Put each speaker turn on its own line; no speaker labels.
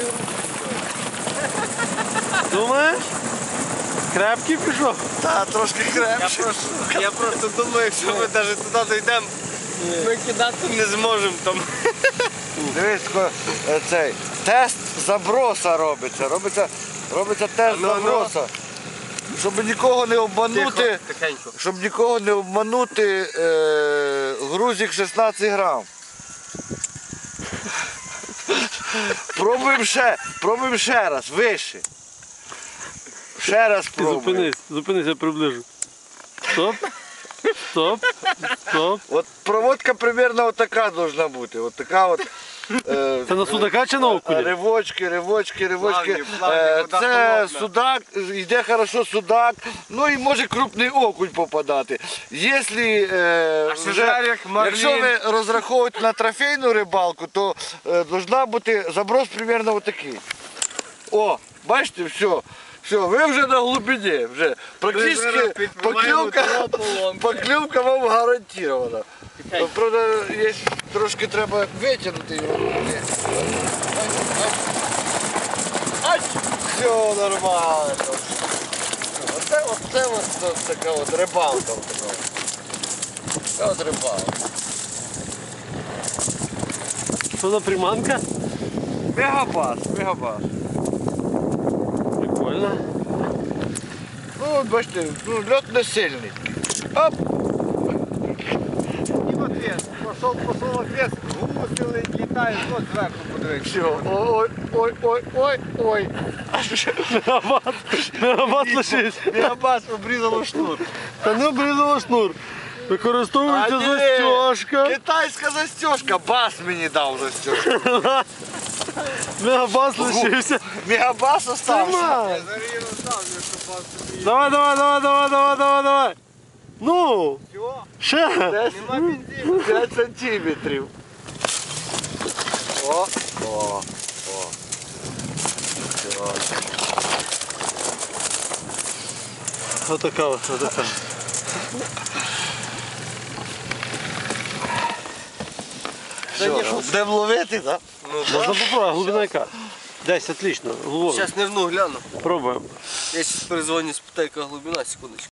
Думаєш? Крепкий пішов?
Так, трошки крепше.
Я просто думаю, якщо ми навіть туди дійдемо, ми кидати не зможемо там.
Дивись, цей тест заброса робиться. Робиться тест заброса. Щоб нікого не обманути,
Тихенько.
щоб нікого не обманути, грузик 16 грам. Пробуємо ще раз, вище. Ще раз пробуємо.
Зупинись, я приближу. Стоп.
От проводка примерно отака должна бути. От така от.
Це на судака чи на окуня?
Ривочки.
Плавні,
Це
вода
судак, йде хорошо судак, ну і може крупний окунь попадати. Якщо ви розраховуєте на трофейну рибалку, то должна бути заброс примерно отакий. О, бачите, все. Все, ви вже на глибині, вже практично покльовка вам гарантована. Правда, трошки треба витягнути його. Ай! Все нормально. Оце така от рибалка. Така от рибалка.
Що за приманка?
Мегабас.
Прикольно.
Ну, от бачите, льот не сильний. Оп!
І в ответ. Пошел ответ, гуси літають, от зверху подивитися.
Все, ой.
Мегабас лишився.
Мегабас обрізало шнур.
Та не обрізала шнур. Використовується застежка.
Китайська застежка, бас мені дав застежку.
Мегабас лишився.
Мегабас остався.
Тримай. Давай. Ну, ще.
Нема бензину.
5 сантиметрів. О.
Отака.
Все, будемо ловити, так?
Можна попробувати, глибина яка? Десь, отлично, глибоко.
Зараз нирну гляну.
Пробуємо.
Я зараз перезвоню, спитаю, яка глибина, секундочку.